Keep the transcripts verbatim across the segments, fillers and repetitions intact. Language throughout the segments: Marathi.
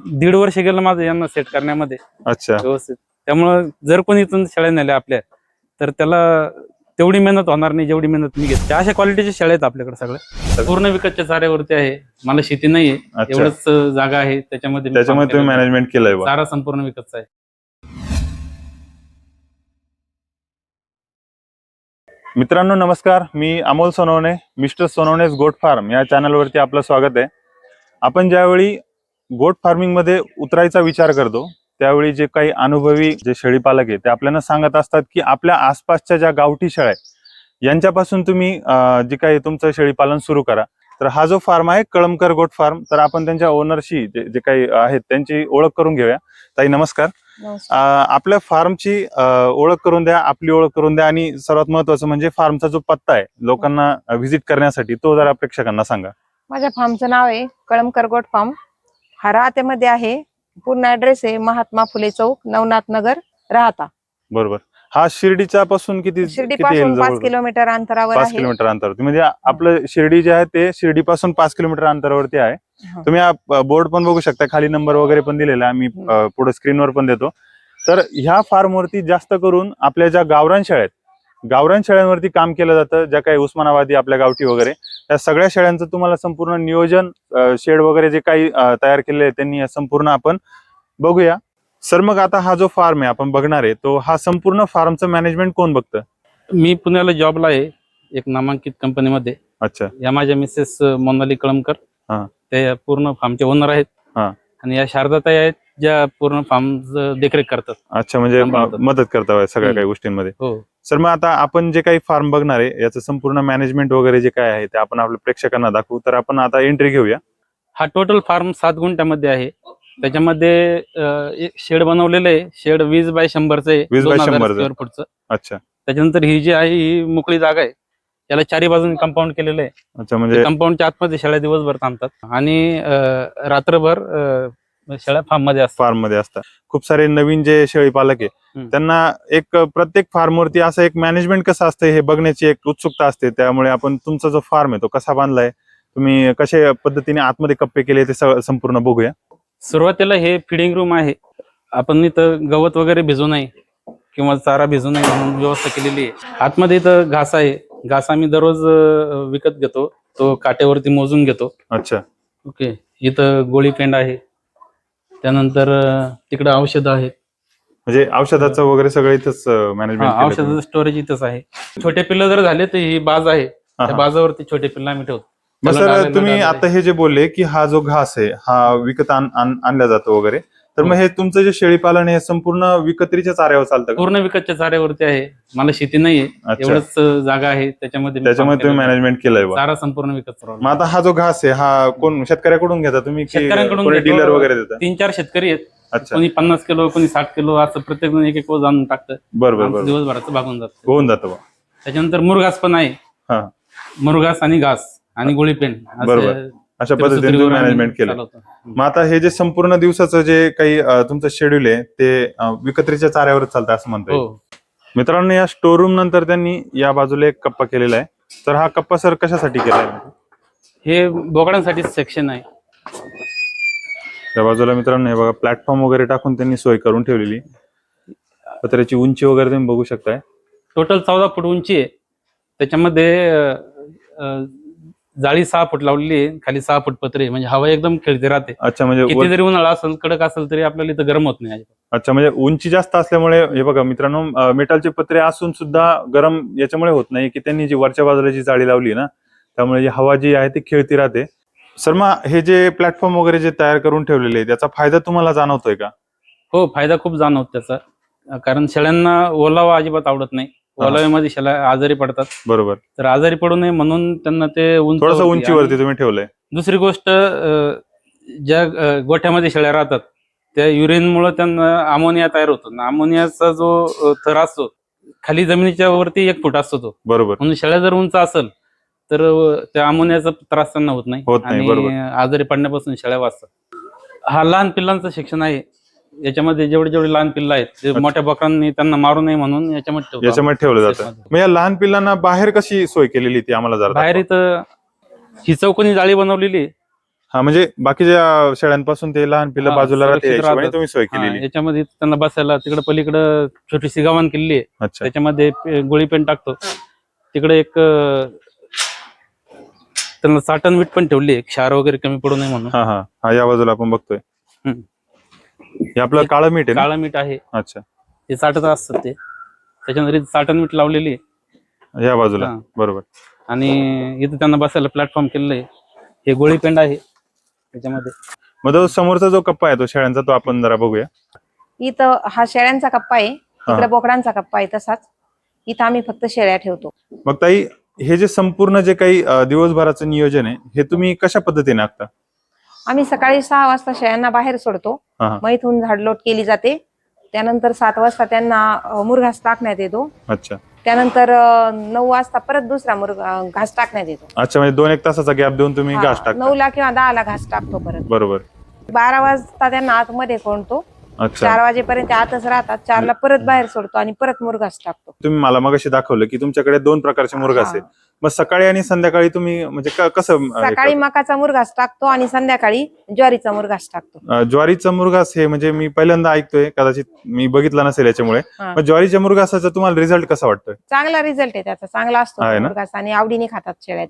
दीड वर्ष गेलं माझं यांना सेट करण्यामध्ये. अच्छा. व्यवस्थित. त्यामुळे जर कोणी इथून शेळ्या नेल्या आपल्या तर त्याला तेवढी मेहनत होणार नाही जेवढी मेहनत मी घेते. अशा क्वालिटीच्या शेळ्या आहेत आपल्याकडे सगळ्या. पूर्ण विकतच्या चाऱ्यावरती आहे. मला शेती नाहीये, एवढंच जागा आहे त्याच्यामध्ये त्याच्यामध्ये तुम्ही मॅनेजमेंट केलंय. चारा संपूर्ण विकतचा आहे. मित्रांनो नमस्कार, मी Amol Sonawane, mister Sonawane's goat farm या चॅनलवरती आपलं स्वागत आहे. आपण ज्यावेळी गोट फार्मिंग मध्ये उतरायचा विचार करतो त्यावेळी जे काही अनुभवी जे शेळीपालक आहे ते आपल्याला सांगत असतात की आपल्या आसपासच्या ज्या गावठी शेळ्या यांच्यापासून तुम्ही जे काही तुमचं शेळीपालन सुरू करा. तर हा जो फार्म आहे कळमकर गोट फार्म, तर आपण त्यांच्या ओनरशी जे जे काही आहेत त्यांची ओळख करून घेऊया. ताई नमस्कार. आपल्या फार्मची ओळख करून द्या, आपली ओळख करून द्या आणि सर्वात महत्वाचं म्हणजे फार्मचा जो पत्ता आहे लोकांना व्हिजिट करण्यासाठी तो जरा प्रेक्षकांना सांगा. माझ्या फार्मचं नाव आहे कळमकर गोट फार्म. हा राहत्यामध्ये आहे. पूर्ण ऍड्रेस आहे महात्मा फुले चौक, नवनाथ नगर, राहता. बरोबर. हा शिर्डीच्या पासून किती शिर्डीपासून पाच किलोमीटर अंतरावर आहे. पाच किलोमीटर अंतरावरती म्हणजे आपलं शिर्डी जे आहे ते शिर्डीपासून पाच किलोमीटर अंतरावरती आहे. तुम्ही हा बोर्ड पण बघू शकता, खाली नंबर वगैरे पण दिलेला आहे, आम्ही पुढे स्क्रीनवर पण देतो. तर ह्या फार्मवरती जास्त करून आपल्या ज्या गावरान शेळ्या आहेत, गावरान शेळ्यांवरती काम केलं जातं. ज्या काही उस्मानाबादी आपल्या गावठी वगैरे त्या सगळ्या शेळ्यांचं तुम्हाला संपूर्ण नियोजन, शेड वगैरे जे काही तयार केलेले आहे त्यांनी संपूर्ण आपण बघूया. सर मग आता हा जो फार्म आहे आपण बघणार आहे तो हा संपूर्ण फार्मचं मॅनेजमेंट कोण बघतं? मी पुण्याला जॉबला आहे एक नामांकित कंपनीमध्ये. अच्छा. या माझ्या मिसेस मोनाली कळमकर, ते पूर्ण फार्मचे ओनर आहेत. आणि या शारदाताई आहेत ज्या पूर्ण फार्म देखरेख करतात. अच्छा, म्हणजे मदत करतात सगळ्या काही गोष्टींमध्ये. हो सर मग आता आपण जे काही फार्म बघणार आहे याचं संपूर्ण मॅनेजमेंट वगैरे जे काय आहे ते आपण आपल्या प्रेक्षकांना दाखवू. तर आपण आता एंट्री घेऊया. हा टोटल फार्म सात गुंठ्यामध्ये आहे. त्याच्यामध्ये एक शेड बनवलेलं आहे. शेड वीस बाय शंभरचं आहे, वीस बाय शंभर स्क्वेअर फूटचं. अच्छा. त्याच्यानंतर ही जी आहे ही मोकळी जागा आहे, याला चारी बाजूने कंपाऊंड केलेलं आहे. अच्छा, म्हणजे कंपाऊंडच्या आतमध्ये शेळ्या दिवसभर थांबतात आणि रात्रभर शेळ्या फार्म मध्ये असतात. फार्म मध्ये असतात. खूप सारे नवीन जे शेळी पालक आहे त्यांना एक प्रत्येक फार्म वरती असं एक मॅनेजमेंट कसं असतं हे बघण्याची एक उत्सुकता असते. त्यामुळे आपण तुमचा जो फार्म आहे तो कसा बांधलाय, तुम्ही कशा पद्धतीने आतमध्ये कप्पे केले ते संपूर्ण बघूया. सुरुवातीला हे फिडिंग रूम आहे. आपण इथं गवत वगैरे भिजू नये किंवा चारा भिजू नये म्हणून व्यवस्था केलेली आहे. आतमध्ये इथं घास आहे. घास आम्ही दररोज विकत घेतो, तो काट्यावरती मोजून घेतो. अच्छा. ओके. इथं गोळी पेंड आहे. त्यानंतर तिकडे औषध आहेत. म्हणजे औषधाचं वगैरे सगळं इथंच मॅनेजमेंट. औषधाचं स्टोरेज इथंच आहे. छोटे पिल्लं जर झाले तर ही बाज आहे, त्या बाजावरती छोटे पिल्लं आम्ही ठेवतो. सर तुम्ही आता हे जे बोलले की हा जो घास आहे हा विकत आणला जातो वगैरे, तर मग हे तुमचं जे शेळी पालन हे संपूर्ण विकत्रीच्या चाऱ्यावर चालतं? पूर्ण विकतच्या चाऱ्यावरती आहे. मला शेती नाहीये, एवढंच जागा आहे त्याच्यामध्ये त्याच्यामध्ये तुम्ही मॅनेजमेंट केलंय. चारा संपूर्ण विकत. मग आता हा जो घास आहे हा कोण शेतकऱ्याकडून घेता तुम्ही? शेतकऱ्यांकडून डीलर वगैरे देतात? तीन चार शेतकरी आहेत. अच्छा. कोणी पन्नास किलो, कोणी साठ किलो, असं प्रत्येक जण एक एक रोज आणून टाकतं. बरोबर. दिवसभराचं भागून जातं. होऊन जातं. त्याच्यानंतर मुरघास पण आहे. मुरघास आणि घास आणि गोळी पेंड, बरोबर, अशा पद्धतीने मॅनेजमेंट केलं. मग आता हे जे संपूर्ण दिवसाचं जे काही तुमचं शेड्यूल आहे ते विकत्रीच्या चाऱ्यावरच चालतं असं म्हणतो. मित्रांनो या स्टोर रूम नंतर त्यांनी या बाजूला एक कप्पा केलेला आहे. तर हा कप्पा सर कशासाठी केलाय? हे बोकडांसाठी सेक्शन आहे. त्या बाजूला मित्रांनो हे बघा प्लॅटफॉर्म वगैरे टाकून त्यांनी सोय करून ठेवलेली. पत्र्याची उंची वगैरे तुम्ही बघू शकताय. टोटल चौदा फूट उंची आहे. त्याच्यामध्ये जाळी सहा फूट लावलेली आहे, खाली सहा फूट पत्रे, म्हणजे हवा एकदम खेळते राहते. अच्छा, म्हणजे किती जरी उन्हाळा असेल, कडक असेल तरी आपल्याला इथं गरम होत नाही. अच्छा, म्हणजे उंची जास्त असल्यामुळे हे बघा मित्रांनो मेटलचे पत्रे असून सुद्धा गरम याच्यामुळे होत नाही की त्यांनी जी वरच्या बाजूला जी जाळी लावली ना त्यामुळे हवा जी आहे ती खेळती राहते. सर मग हे जे प्लॅटफॉर्म वगैरे जे तयार करून ठेवलेले आहे त्याचा फायदा तुम्हाला जाणवतोय का? हो, फायदा खूप जाणवतो त्याचा. कारण शेळ्यांना ओलावा अजिबात आवडत नाही. ओलाव्यामध्ये शेळ्या आजारी पडतात. बरोबर. तर आजारी पडू नये म्हणून त्यांना ते थोडंसं उंचीवरती तुम्ही ठेवलंय. दुसरी गोष्ट, ज्या गोठ्यामध्ये शेळ्या राहतात त्या युरिनमुळे त्यांना अमोनिया तयार होतो. अमोनियाचा जो थर असतो खाली जमिनीच्या वरती एक फूट असतो तो. बरोबर. म्हणून शेळ्या जर उंच असेल तर त्या अमोनियाचा त्रास त्यांना होत नाही आणि आजारी पडण्यापासून शेळ्या वाचतात. हा लहान पिल्लांचं शिक्षण आहे. याच्यामध्ये जेवढे जेवढे लहान पिल्लं आहेत ते मोठ्या बकरांनी त्यांना मारू नये म्हणून याच्यामध्ये याच्यामध्ये ठेवलं जातं. मग या लहान पिल्लांना बाहेर कशी सोय केलेली ती आम्हाला जरा? बाहेर इथं ही चौकोनी जाळी बनवलेली. हा, म्हणजे बाकीच्या शेळ्यांपासून ते लहान पिल्लं हा, बाजूला राहते, सुरक्षित या हिशोबाने राहतात. तुम्ही सोय हा, केलेली. याच्यामध्ये त्यांना बसायला तिकडे पलीकडं छोटीशी गव्हाण केलेली आहे. अच्छा. त्याच्यामध्ये पे- गोळी पेन टाकतो. तिकडे एक अं, त्यांना साठण मीठ पण ठेवली आहे, क्षार वगैरे कमी पडू नये म्हणून. हा हा हा, या बाजूला आपण बघतोय हम्म. हे आपलं हे काळं मीठ आहे ना? काळं मीठ आहे, अच्छा. ते साठत असतात ते, त्याच्यानंतर इथं साठण मीठ लावलेली आहे. या बाजूला. हा. बरोबर. आणि इथं त्यांना बसायला प्लॅटफॉर्म केलेलं आहे. हे गोळी पेंड आहे त्याच्यामध्ये. मग तो समोरचा जो कप्पा आहे तो शेळ्यांचा, तो आपण जरा बघूया. इथं हा शेळ्यांचा कप्पा आहे, तिकडे हा. बोकडांचा कप्पा आहे. तसाच इथं आम्ही फक्त शेळ्या ठेवतो. मग ताई, हे जे संपूर्ण जे काही अं, दिवसभराचं नियोजन आहे, हे तुम्ही कशा पद्धतीने आखता? आम्ही सकाळी सहा वाजता शेळ्यांना बाहेर सोडतो. हा हा. मग इथून झाडलोट केली जाते. त्यानंतर सात वाजता त्यांना अ, मुरघास टाकण्यात येतो. अच्छा. त्यानंतर अ, नऊ वाजता परत दुसरा मुरगा घास टाकण्यात येतो. अच्छा, म्हणजे दोन एक तासाचा गॅप देऊन तुम्ही घास हा, टाकता. नऊला किंवा दहाला घास टाकतो परत. बरोबर. बारा वाजता त्यांना आतमध्ये कोंडतो. अच्छा. चार वाजेपर्यंत आतच राहतात. चारला परत बाहेर सोडतो आणि परत मुरघास टाकतो. तुम्ही मला मगाशी दाखवलं की तुमच्याकडे दोन प्रकारचे मुरघास आहे. हा. मग सकाळी आणि संध्याकाळी तुम्ही म्हणजे क- कसं अं, हे सकाळी करता? मकाचा मुरघास टाकतो आणि संध्याकाळी ज्वारीचा मुरघास टाकतो. अं, ज्वारीचा मुरघास हे म्हणजे मी पहिल्यांदा ऐकतोय, कदाचित मी बघितला नसेल याच्यामुळे. हा. मग ज्वारीच्या मुरघासाचा तुम्हाला रिझल्ट कसा वाटतोय? चांगला रिझल्ट आहे त्याचा, चांगला असतो आहे तो ना? मुरघास आणि आवडीने खातात शेळ्या.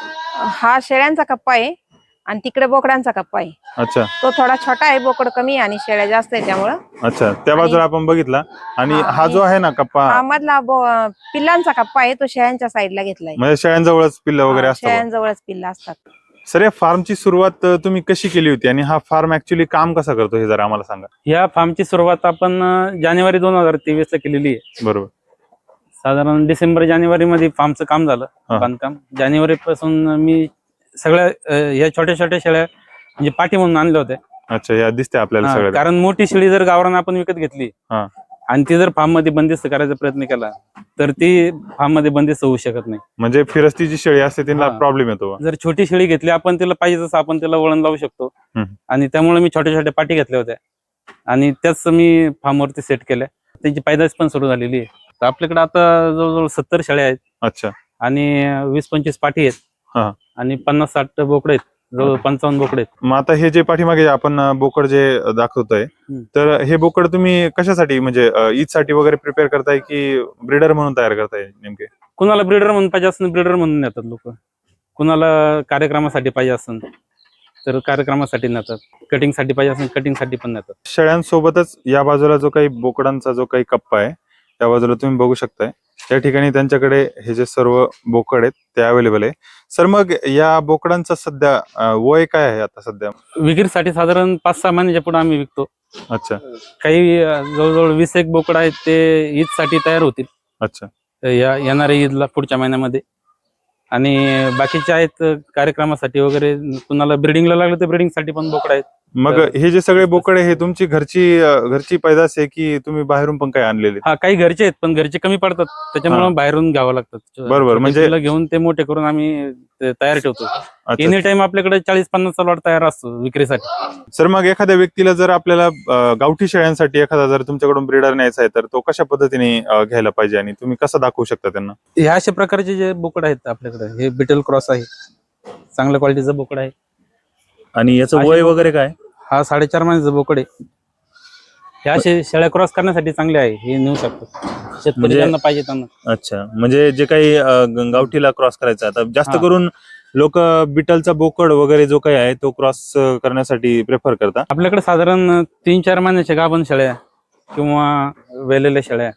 हा शेळ्यांचा कप्पा आहे आणि तिकडे बोकडांचा कप्पा आहे. अच्छा. तो थोडा छोटा आहे, बोकड कमी आहे आणि शेळ्या जास्त आहे त्यामुळं. अच्छा, त्या बाजूला आपण बघितला. आणि हा, हा जो आहे ना कप्पा, हा मधला बो- पिल्लांचा कप्पा आहे, तो शेळ्यांच्या साईडला घेतलाय. म्हणजे शेळ्यांजवळच पिल्लं वगैरे हा, असतात. शेळ्यांजवळच पिल्ला असतात. सर, या फार्मची सुरुवात अं, तुम्ही कशी केली होती आणि हा फार्म ऍक्च्युली काम कसा करतो हे जरा आम्हाला सांगा. या फार्मची सुरुवात आपण अं, जानेवारी दोन हजार तेवीस ला केलेली आहे. बरोबर. साधारण डिसेंबर जानेवारी मध्ये फार्मचं काम झालं, हा. बांधकाम. जानेवारी पासून मी सगळ्या अं, या छोट्या छोट्या शेळ्या म्हणजे पाठी म्हणून आणल्या होत्या. अच्छा, या दिसते आपल्याला हा, सगळं. कारण मोठी शेळी जर गावरान आपण विकत घेतली हा. आणि ती जर फार्म मध्ये बंदिस्त करायचा प्रयत्न केला तर ती फार्म मध्ये बंदिस्त होऊ शकत नाही. म्हणजे फिरस्ती जी शेळी असते तिला हा. प्रॉब्लेम येतो. जर छोटी शेळी घेतली आपण, तिला पाहिजे तसं आपण तिला वळण लावू शकतो. हम्म. आणि त्यामुळे मी छोट्या छोट्या पाठी घेतल्या होत्या आणि त्याच मी फार्मवरती सेट केल्या. त्यांची पैदास पण सुरू झालेली आहे. तर आपल्याकडे आता जवळजवळ सत्तर शेळ्या आहेत. अच्छा. आणि वीस पंचवीस पाठी आहेत. हा. आणि पन्नास साठ बोकडे आहेत, जवळ पंचावन्न बोकडे आहेत. मग आता हे जे पाठीमागे आपण अं, बोकड जे दाखवतोय, हम्म. तर हे बोकड तुम्ही कशासाठी, म्हणजे ईद साठी वगैरे प्रिपेअर करताय की ब्रीडर म्हणून तयार करताय नेमके? कुणाला ब्रीडर म्हणून पाहिजे असेल ब्रीडर म्हणून नेतात लोक, कुणाला कार्यक्रमासाठी पाहिजे असेल तर कार्यक्रमासाठी नेतात, कटिंगसाठी पाहिजे असेल कटिंगसाठी पण नेतात. शेळ्यांसोबतच या बाजूला जो काही बोकडांचा जो काही कप्पा आहे त्या बाजूला तुम्ही बघू शकताय, त्या ठिकाणी त्यांच्याकडे हे जे सर्व बोकड आहेत ते अवेलेबल आहे. सर, मग या बोकडांचा सध्या अं, वय काय आहे आता सध्या? विक्रीसाठी साधारण पाच सहा महिन्याच्या पुढे आम्ही विकतो. अच्छा. काही अं, जवळजवळ वीस एक बोकड आहेत, ते ईद साठी तयार होतील. अच्छा. या येणाऱ्या ईदला पुढच्या महिन्यामध्ये. आणि बाकीचे आहेत कार्यक्रमासाठी वगैरे, कुणाला ब्रिडिंगला लागलं तर ब्रिडिंगसाठी पण बोकड आहेत. मग हे जे सगळे बोकडे हे तुमची घरची अं, घरची पैदास आहे की तुम्ही बाहेरून पण काही आणलेले? हा, काही घरचे आहेत पण घरचे कमी पडतात, त्याच्यामुळे बाहेरून घ्यावं लागतात. बरोबर, छोटे म्हणजे- पिल्लं घेऊन ते मोठे करून आम्ही ते तयार ठेवतो. अच्छा. एनी टाइम आपल्याकडे चाळीस पन्नास लॉट तयार असतो विक्रीसाठी. सर, मग एखाद्या व्यक्तीला जर आपल्याला अं, गावठी शेळ्यांसाठी एखादा जर तुमच्याकडून ब्रीडर न्यायचा आहे तर तो कशा पद्धतीने अं, घ्यायला पाहिजे आणि तुम्ही कसं दाखवू शकता त्यांना? ह्या अशा प्रकारचे जे बोकड आहेत आपल्याकडे, हे बिटल क्रॉस आहे, चांगल्या क्वालिटीचं बोकड आहे. आणि याचं असे वय बोकड- वगैरे काय? हा साडेचार महिन्याचं बोकड आहे. हे असे शेळ्या क्रॉस करण्यासाठी चांगले आहे, हे नेऊ शकतो शेतकरी म्हणजे- ज्यांना पाहिजे त्यांना. अच्छा, म्हणजे जे काही अं, गावठीला क्रॉस करायचा, आता जास्त हा. करून लोक बिटलचा बोकड वगैरे जो काही आहे तो क्रॉस करण्यासाठी प्रेफर करतात. आपल्याकडे साधारण तीन चार महिन्याच्या गाभण शेळ्या किंवा वेलेल्या शेळ्या,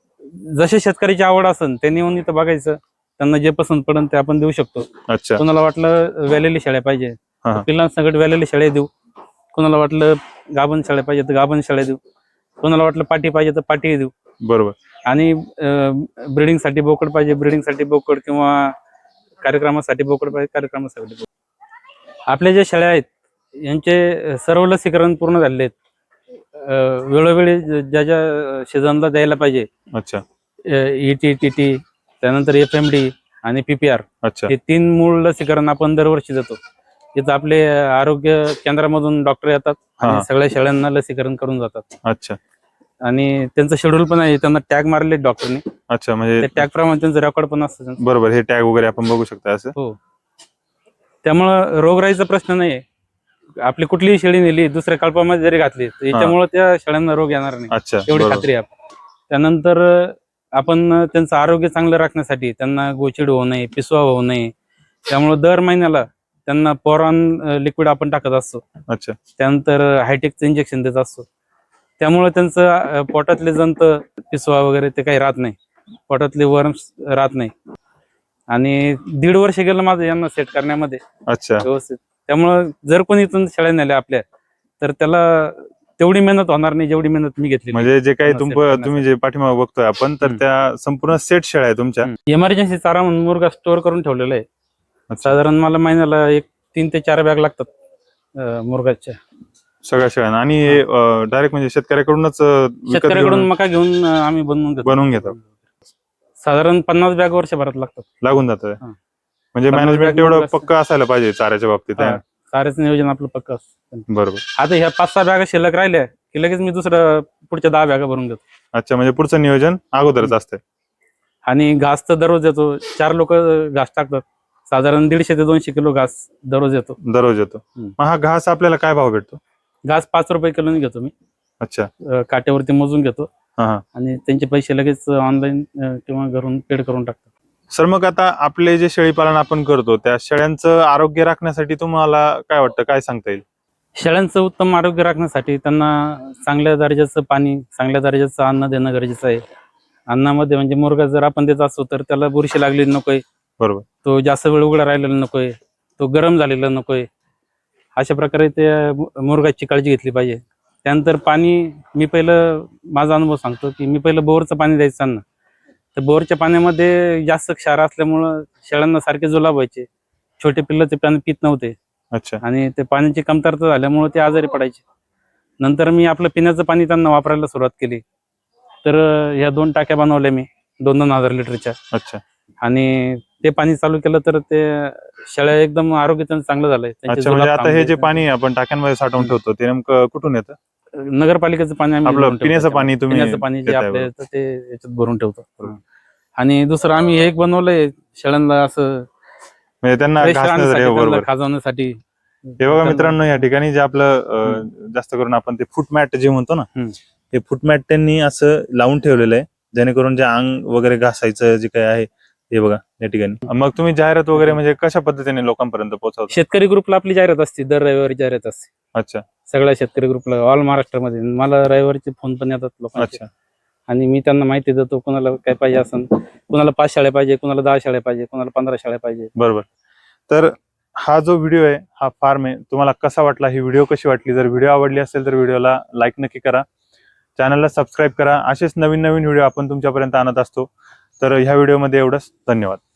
जसे शेतकऱ्याची आवड असेल त्यांनी येऊन इथं बघायचं, त्यांना जे पसंत पडेल ते आपण देऊ शकतो. अच्छा. कोणाला वाटलं वेलेली शेळ्या पाहिजे हा, हा. तर पिल्लांसकट वेलेली शेळ्या देऊ, कोणाला वाटलं गाभण शेळ्या पाहिजे तर गाभण शेळ्या देऊ, कोणाला वाटलं पाठी पाहिजे तर पाठी देऊ. बरोबर. आणि ब्रिडिंग साठी बोकड पाहिजे ब्रिडिंग साठी बोकड, किंवा कार्यक्रमासाठी बोकड पाहिजे कार्यक्रमासाठी बोकड. आपल्या ज्या शेळ्या आहेत यांचे सर्व लसीकरण पूर्ण झालेले आहेत. अं, वेळोवेळी ज्या ज्या सीझनला द्यायला पाहिजे, अच्छा. ई टी टी टी त्यानंतर एफ एम डी आणि पीपीआर, अच्छा. हे तीन मूळ लसीकरण आपण दरवर्षी देतो. इथं आपले आरोग्य केंद्रामधून डॉक्टर येतात हा. आणि सगळ्या शेळ्यांना लसीकरण करून जातात. अच्छा. आणि त्यांचं शेड्यूल पण आहे, त्यांना टॅग मारले डॉक्टरनी, अच्छा, म्हणजे त्या टॅग प्रमाणे त्यांचं रेकॉर्ड पण असतं. बरोबर, हे टॅग वगैरे आपण बघू शकता असं. हो, त्यामुळं रोगराईचा प्रश्न नाही. आपली कुठलीही शेळी नेली दुसऱ्या कल्पामध्ये जरी घातली तर याच्यामुळे त्या शेळ्यांना रोग येणार नाही, अच्छा एवढी बरोबर. खात्री आहे. त्यानंतर आपण त्यांचं आरोग्य चांगलं राखण्यासाठी त्यांना गोचिड होऊ नये, पिसवा होऊ नये, त्यामुळे दर महिन्याला त्यांना पोरॉन लिक्विड आपण टाकत असतो. अच्छा. त्यानंतर हायटेकचं इंजेक्शन देत असतो. त्यामुळे त्यांचं अं, पोटातले जंत, पिसवा वगैरे ते काही राहत नाही, पोटातले वर्म्स राहत नाही. आणि दीड वर्ष गेलं माझं यांना सेट करण्यामध्ये अच्छा. व्यवस्थित. त्यामुळं जर कोणी इथून शेळ्या नेल्या आपल्या तर त्याला तेवढी मेहनत होणार नाही जेवढी मेहनत मी घेतली. म्हणजे जे काही त्यांना तुम set करण्यासाठी. तुम्ही जे पाठीमागे बघतोय आपण तर हम्म. त्या संपूर्ण सेट शेळ्या आहे तुमच्या. इमर्जन्सी चारा म्हणून मुर्गा स्टोअर करून ठेवलेला आहे. अच्छा. साधारण मला महिन्याला एक तीन ते चार बॅग लागतात अं, मुर्गाच्या. सगळ्या शेळ्यांना. आणि डायरेक्ट म्हणजे शेतकऱ्याकडूनच अं, विकत शेतकऱ्याकडून घेऊन मका घेऊन अं, आम्ही बनवून घेतो. बनवून घेतो. साधारण पन्नास बॅग वर्षभरात लागतात. लागून जातं. हा. म्हणजे पन्नास मॅनेजमेंट बॅग तेवढं मुर्गा असतं. पक्क असायला पाहिजे चाऱ्याच्या बाबतीत आहे. हा, चाऱ्याचं नियोजन आपलं पक्क असतं. बरोबर. आता ह्या पाच सहा बॅगा शिल्लक राहिल्या की लगेच मी दुसरं पुढच्या दहा बॅगा भरून घेतो. अच्छा, म्हणजे पुढचं नियोजन अगोदरच असतंय. आणि घास तर दररोज येतो. चार लोक घास टाकतात. साधारण दीडशे ते दोनशे किलो घास दररोज येतो. दररोज येतो. हम्म. मग हा घास आपल्याला काय भाव भेटतो? घास पाच रुपये किलोने घेतो मी. अच्छा. अं, काट्यावरती मोजून घेतो हा हा. आणि त्यांचे पैसे लगेच ऑनलाईन किंवा घरून पेड करून टाकतो. सर, मग आता आपले जे शेळी पालन आपण करतो त्या शेळ्यांचं आरोग्य राखण्यासाठी तुम्हाला काय वाटतं, काय सांगता येईल? शेळ्यांचं उत्तम आरोग्य राखण्यासाठी त्यांना चांगल्या दर्जाचं पाणी, चांगल्या दर्जाचं अन्न देणं गरजेचं आहे. अन्नामध्ये म्हणजे मुर्गा जर आपण देत असतो तर त्याला बुरशी लागलेली नकोय, बरोबर. तो जास्त वेळ उघडा राहिलेला नकोय, तो गरम झालेला नकोय. अशा प्रकारे ते मुर्गाची काळजी घेतली पाहिजे. त्यानंतर पाणी मी पहिलं माझा अनुभव सांगतो की मी पहिलं बोरचं पाणी द्यायचं ना, तर बोरच्या पाण्यामध्ये जास्त क्षार असल्यामुळं शेळ्यांना सारखे जुलाब व्हायचे. छोटे पिल्लं ते पाणी पित नव्हते अच्छा. आणि ते पाण्याची कमतरता झाल्यामुळे ते आजारी पडायचे. नंतर मी आपलं पिण्याचं पाणी त्यांना वापरायला सुरुवात केली. तर ह्या दोन टाक्या बनवल्या मी दोन दोन हजार लिटरच्या. अच्छा. आणि ते पाणी चालू केलं तर ते शेळ्या एकदम आरोग्य त्यांचं चांगलं झालंय. त्यांचे अच्छा, म्हणजे जुलाब आता हे जे थांबले. पाणी आपण टाक्यांमध्ये साठवून ठेवतो ते नेमकं कुठून येतं? नगरपालिकेचं पाणी आम्ही आपलं भरून ठेवतो पिण्याचं त्याच्यामध्ये. पाणी तुम्ही पिण्याचं पाणी जे देताय आपल्या बरोबर. येतं ते याच्यात भरून ठेवतो. आणि दुसरं आम्ही एक बनवलंय शेळ्यांना असं म्हणजे त्यांना fresh घासण्यासाठी. राहण्यासाठी, त्यांना बरोबर. खाजवण्यासाठी. हे बघा त्यांना- मित्रांनो, या ठिकाणी जे आपलं अं, जास्त करून आपण ते फूट मॅट जे म्हणतो ना, हम्म. हे फूट मॅट त्यांनी असं लावून ठेवलेलं आहे जेणेकरून जे अंग वगैरे घासायचं जे काही आहे हे बघा या ठिकाणी. मग तुम्ही जाहिरात वगैरे म्हणजे कशा पद्धतीने लोकांपर्यंत पोहोचवता? शेतकरी ग्रुपला आपली जाहिरात असते, दर रविवारी जाहिरात असते अच्छा. सगळ्या शेतकरी ग्रुपला ऑल महाराष्ट्रामध्ये. मला रविवारचे फोन पण येतात लोकांचे. अच्छा. आणि मी त्यांना माहिती देतो कुणाला काय पाहिजे असेल, कुणाला पाच शाळ्या पाहिजे, कुणाला दहा शाळ्या पाहिजे, कुणाला पंधरा शाळ्या पाहिजे. बरोबर. तर हा जो व्हिडिओ आहे हा फार्म आहे, तुम्हाला कसा वाटला, ही व्हिडिओ कशी वाटली? जर व्हिडिओ आवडली असेल तर व्हिडिओला लाईक नक्की करा, चॅनलला सबस्क्राईब करा. असेच नवीन नवीन व्हिडिओ आपण तुमच्यापर्यंत आणत असतो. तर ह्या व्हिडिओमध्ये एवढंच. धन्यवाद.